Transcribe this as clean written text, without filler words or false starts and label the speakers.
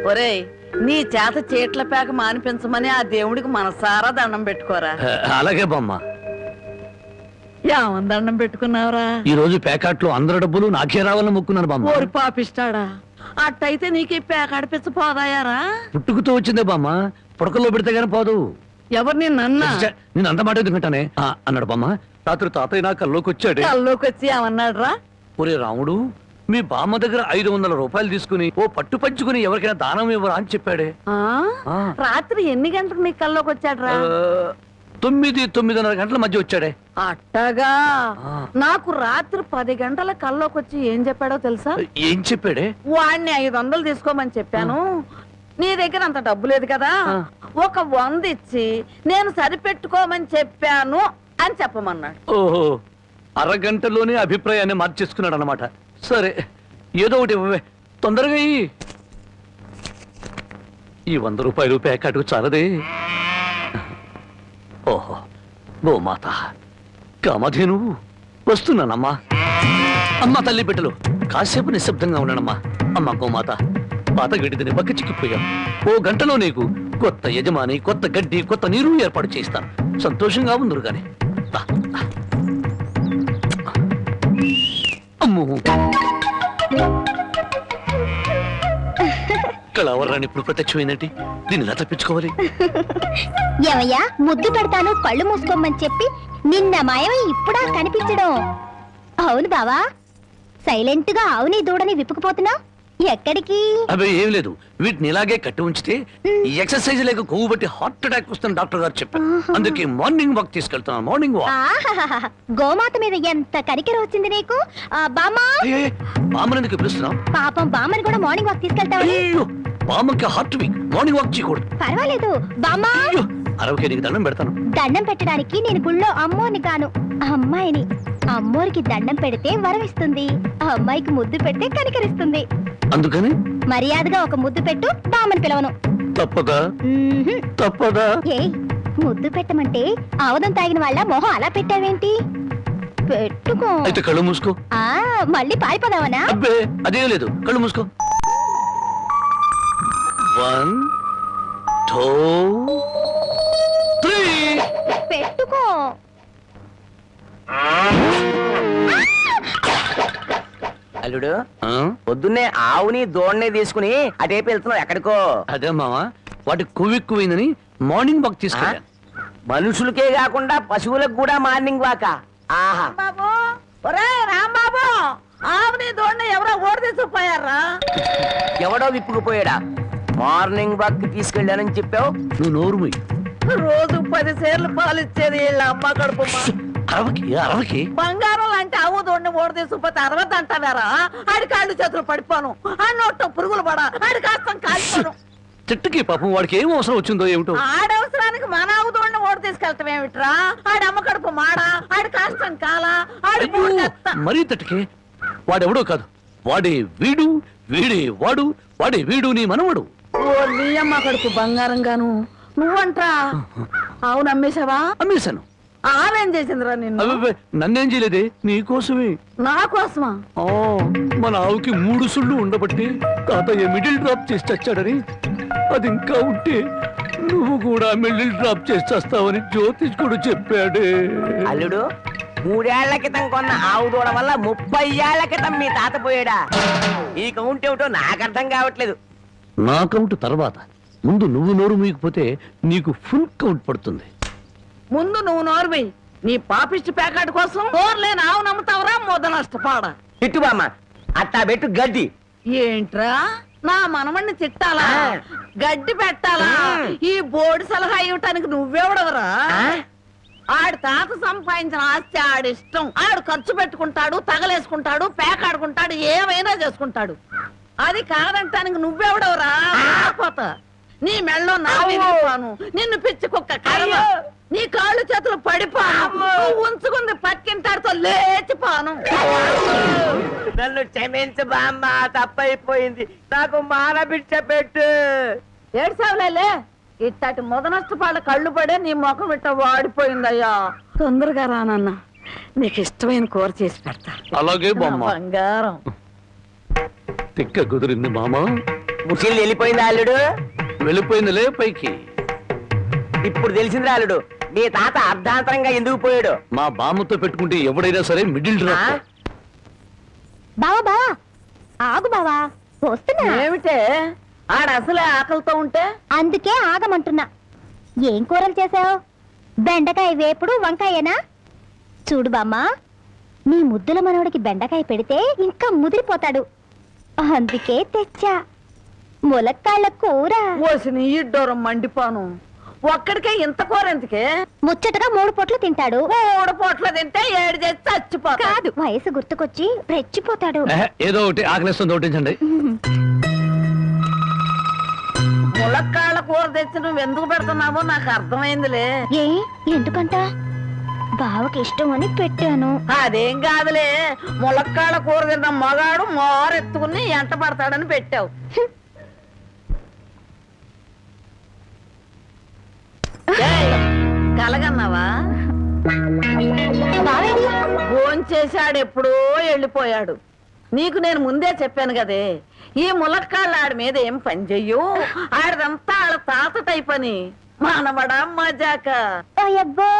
Speaker 1: ఒరేయ్, నీ చేత చీట్ల పేక మానిపించమని ఆ దేవుడికి మనసారా దండం పెట్టుకోరా.
Speaker 2: అలాగే బామ్మ.
Speaker 1: ఏమని దండం పెట్టుకున్నావురా?
Speaker 2: ఈ రోజు ప్యాకెట్లో అందరి డబ్బులు నాకే రావాలని మొక్కున్నాను బామ్మ.
Speaker 1: ఓరి పాపిస్తాడా, అట్టయితే నీకు ఈ పేక అడిపించ పోదాయారా?
Speaker 2: పుట్టుకుతో వచ్చిందే బామ్మ, పుడకల్లో పెడితే గానీ పోదు.
Speaker 1: ఎవరు నిన్నన్నా?
Speaker 2: నేను అంత మాట ఎందుకంటానే అన్నాడు బామ్మ. రాత్రి తాతయ్య నా కల్లోకి వచ్చాడు.
Speaker 1: కల్లోకి వచ్చి ఏమన్నాడు రా?
Speaker 2: ఒరే రాముడు, మీ బామ్మ దగ్గర 500 రూపాయలు తీసుకుని ఓ పట్టు పంచుకుని ఎవరికైనా దానం ఇవ్వరా అని చెప్పాడే.
Speaker 1: రాత్రి ఎన్ని గంటలకు నీ కల్లోకి వచ్చాడు రా?
Speaker 2: 9-9:30 గంటల మధ్య వచ్చాడే.
Speaker 1: అట్టగా నాకు రాత్రి 10 గంటల కల్లోకి వచ్చి ఏం చెప్పాడో తెలుసా?
Speaker 2: ఏం చెప్పాడే?
Speaker 1: వాడిని 500 తీసుకోమని చెప్పాను. నీ దగ్గర అంత డబ్బు లేదు కదా, ఒక 100 ఇచ్చి నేను సరిపెట్టుకోమని చెప్పాను అని చెప్పమన్నాడు.
Speaker 2: ఓహో, అరగంటలోనే అభిప్రాయాన్ని మార్చేసుకున్నాడు అన్నమాట. సరే, ఏదో ఒకటి ఇవ్వవే, తొందరగా ఈ 100 రూపాయలు ప్యాకెట్కు చాలదే. ఓహో, గోమాత కామధేను వస్తున్నానమ్మా. అమ్మ తల్లి బిడ్డలు కాసేపు నిశ్శబ్దంగా ఉన్నానమ్మా. అమ్మ గోమాత, పాత గడ్డిని బక్క చిక్కిపోయాం. ఓ గంటలో నీకు కొత్త యజమాని, కొత్త గడ్డి, కొత్త నీరు ఏర్పాటు చేస్తాను. సంతోషంగా ఉందరు గాని. అమ్మో, కళావరాన్ని ఇప్పుడు ప్రత్యక్షమైందంటే దీన్ని ఎలా తప్పించుకోవాలి?
Speaker 3: ఏమయ్యా, ముద్దు పెడతాను కళ్ళు మూసుకోమని చెప్పి నిన్న మాయమై ఇప్పుడా కనిపించడం? అవును బావా, సైలెంట్ గా ఆవుని దూడని విప్పుకుపోతున్నావు, ఎక్కడికి?
Speaker 2: అవి ఏం లేదు, వీటిని ఇలాగే కట్టి ఉంచితే ఈ ఎక్సర్సైజ్ లేక కొవ్వు బట్టి హార్ట్ అటాక్ వస్తుంది డాక్టర్ గారు చెప్పారు. అందుకే మార్నింగ్ వాక్ తీసుకెళ్తున్నాను. Morning walk.
Speaker 3: గోమాత మీద ఎంత కనికెర వచ్చింది నీకు? బామ్మా,
Speaker 2: బామ్మని ఎందుకు పిలుస్తున్నావు?
Speaker 3: పాపం బామ్మని కూడా మార్నింగ్ వాక్ తీసుకెళ్తావు.
Speaker 2: బామ్మకి హార్ట్ వీక్, మార్నింగ్ వాక్ చేయకూడదు.
Speaker 3: పర్వాలేదు బామ్మా,
Speaker 2: అరవకే నీకు దండం పెడతాను.
Speaker 3: దండం పెట్టడానికి నేను గుళ్ళో అమ్మోని కాను, అమ్మాయిని. అమ్మోరికి దండం పెడితే వరం ఇస్తుంది, అమ్మాయికి ముద్దు పెడితే కనికరిస్తుంది.
Speaker 2: అందుకని
Speaker 3: మర్యాదగా ఒక ముద్దు పెట్టు, బామ్మని పిలవను.
Speaker 2: తప్పదా? తప్పదా?
Speaker 3: ఏ ముద్దు పెట్టమంటే ఆవదం తాగిన వాళ్ళ మొహం అలా పెట్టావేంటి? పెట్టుకో.
Speaker 2: అయితే కళ్ళు మూసుకో.
Speaker 3: మళ్ళీ పారిపోదావనా?
Speaker 2: అబ్బే, అదే లేదు, కళ్ళు మూసుకో. 1 2 3
Speaker 3: పెట్టుకో.
Speaker 4: అల్లుడు, పొద్దున్నే ఆవుని దోణ్ణి తీసుకుని అటేపు వెళ్తున్నావు, ఎక్కడికో?
Speaker 2: అదే మావా, వాటి కొవ్వెక్కువైందని మార్నింగ్ వాక్ తీసుకెళ్ళాను.
Speaker 4: మనుషులకే కాకుండా పశువులకు కూడా మార్నింగ్ వాక? ఆహా.
Speaker 1: బాబు, ఒరే రాంబాబు, ఆవుని దోణ్ణి ఎవరో ఓడి తీసుకుపోయారా?
Speaker 4: ఎవడో విప్పుకుపోయాడా? మార్నింగ్ వాక్ తీసుకెళ్ళానని చెప్పావు.
Speaker 2: నువ్వు నోరు మూయి.
Speaker 1: రోజు 10 సేర్లు పాలు ఇచ్చేది వీళ్ళ అమ్మ కడుపు.
Speaker 2: అరవకి
Speaker 1: బంగారం లాంటి ఆవు దోడిని ఓడి తీసుకుపోతే 60 అంటావారా? ఆడి కాళ్ళు చేతులు పడిపోను, ఆ నోట్లో పురుగులు పడా, ఆడి కాస్తం కాలిపోను.
Speaker 2: చెట్టుకి పాపం వాడికి ఏం అవసరం వచ్చిందో ఏమిటో.
Speaker 1: ఆడవసరానికి మన ఆవు దోడిని ఓడి తీసుకెళ్తాం ఏమిట్రా? ఆడి అమ్మ కడుపు మాడా, ఆడి కాస్తం కాలా, ఆడి
Speaker 2: మరీ తట్టుకే. వాడెవడో కాదు, వాడే వీడు, వీడే వాడు, వాడే వీడు నీ మనవడు.
Speaker 1: ఓ నీ అమ్మ కడుపు బంగారం గాను. నువ్వంట్రా ఆవు నమ్మేశావా?
Speaker 2: అమ్మేశాను.
Speaker 1: ఆవేం చేసిందిరా నిన్ను?
Speaker 2: నన్నేం చేయలేదే, నీకోసమే.
Speaker 1: నా కోసమా?
Speaker 2: మన ఆవుకి 3 సుళ్ళు ఉండబట్టి తాతయ్య మిడిల్ డ్రాప్ చేసి చచ్చాడని, అది ఇంకా ఉంటే నువ్వు కూడా మిడిల్ డ్రాప్ చేసి చేస్తావని జ్యోతిష్కుడు చెప్పాడే.
Speaker 4: అల్లుడు, 3 ఏళ్ల క్రితం కొన్న ఆవు దూడ వల్ల 30 ఏళ్ల క్రితం మీ తాత పోయాడా? ఈ కౌంట్ ఏమిటో నాకు అర్థం కావట్లేదు.
Speaker 2: నా కౌంట్ తర్వాత, ముందు నువ్వు నోరు మూయకపోతే నీకు ఫుల్ కౌంట్ పడుతుంది.
Speaker 1: ముందు నువ్వు నోర్మి. నీ పాపిష్టి ప్యాకెట్ కోసం నోర్లేని ఆవు నమ్ముతావరా? మొద నష్టపాడ.
Speaker 4: తిట్టు బామ్మ, అట్టా పెట్టు గడ్డి.
Speaker 1: ఏంట్రా, నా మనమణ్ణి తిట్టాలా, గడ్డి పెట్టాలా? ఈ బోర్డు సలహా ఇవ్వటానికి నువ్వెవడవరా? ఆడి తాత సంపాదించిన ఆస్తి ఆడిష్టం. ఆడు ఖర్చు పెట్టుకుంటాడు, తగలేసుకుంటాడు, పేకాడుకుంటాడు, ఏమైనా చేసుకుంటాడు. అది కాదంటానికి నువ్వెవడవరా? నీ మెళ్ళో నా విరిగిపోను, నిన్ను పిచ్చి కుక్క కర్మ, నీ కాళ్ళు చేతులు పడిపోను, ఉంచుకుంది పక్కింటాడుతో లేచిపోను.
Speaker 4: నన్ను క్షమించు బామ్మ, తప్పైపోయింది, నాకు మానబిడ్డ పెట్టు.
Speaker 1: ఏడ్సావులే, ఇట్టటి మొద నష్టపాళ్ళ కళ్ళు పడే నీ ముఖం ఇట్ట వాడిపోయిందయ్యా. తొందరగా రానన్నా, నీకు ఇష్టమైన కూర చేసి పెడతా.
Speaker 2: అలాగే బామ్మ.
Speaker 1: బంగారం
Speaker 2: తిక్క కుదిరింది మామా.
Speaker 4: ముసిలి వెళ్ళిపోయింది అల్లుడు.
Speaker 2: వెళ్ళిపోయిందిలే పైకి.
Speaker 4: ఇప్పుడు తెలిసింది అల్లుడు, మీ తాత అర్ధాంతరంగా ఎందుకు పోయాడు.
Speaker 2: మా బామ్మతో పెట్టుకుంటే ఎవడైనా సరే మిడిల్
Speaker 4: ఆ?
Speaker 2: డ్రాప్.
Speaker 3: బావా బావా ఆగు బావా, వస్తున్నా.
Speaker 1: ఏమిటే ఆడ అసలే ఆకలితో ఉంటే
Speaker 3: అందుకే ఆగమంటున్నా. ఏం కూరలు చేసావు? బెండకాయ వేపుడు, వంకాయేనా? చూడు బామ్మా, నీ ముద్దుల మనవడికి బెండకాయ పెడితే ఇంకా ముదిరిపోతాడు. అందుకే తెచ్చా ములక్కాళ్ళ కూర.
Speaker 1: ఓసిని ఇడ్డోరం మండిపోను. ఒక్కడికే ఇంత కూర ఎందుకే?
Speaker 3: ముచ్చటగా 3 పొట్లు తింటాడు.
Speaker 1: 3 పూట్ల తింటే 7 చేసి చచ్చిపోతా.
Speaker 3: కాదు, వయసు గుర్తుకొచ్చి రెచ్చిపోతాడు.
Speaker 2: ఏదో ఒకటి ఆకలిస్తుంది ఒకటించండి.
Speaker 1: ములక్కాళ్ళ కూర తెచ్చి నువ్వు ఎందుకు పెడుతున్నావో నాకు అర్థమైందిలే.
Speaker 3: ఏ ఎందుకంట? బావకి ఇష్టం అని పెట్టాను.
Speaker 1: అదేం కాదులే, ములక్కాళ్ళ కూర తిన్న మగాడు మోరెత్తుకుని ఎంట పడతాడని పెట్టావు. ఏయ్, కలగన్నావా?
Speaker 3: బావేడి?
Speaker 1: భోంచేశాడు, ఎప్పుడో వెళ్ళిపోయాడు. నీకు నేను ముందే చెప్పాను కదే, ఈ ములక్కాళ్ళ ఆడి మీద ఏం పని చెయ్యు. ఆడిదంతా ఆడ తాత టైప్ అని. మానవడా మజాక.
Speaker 3: అయ్యబ్బో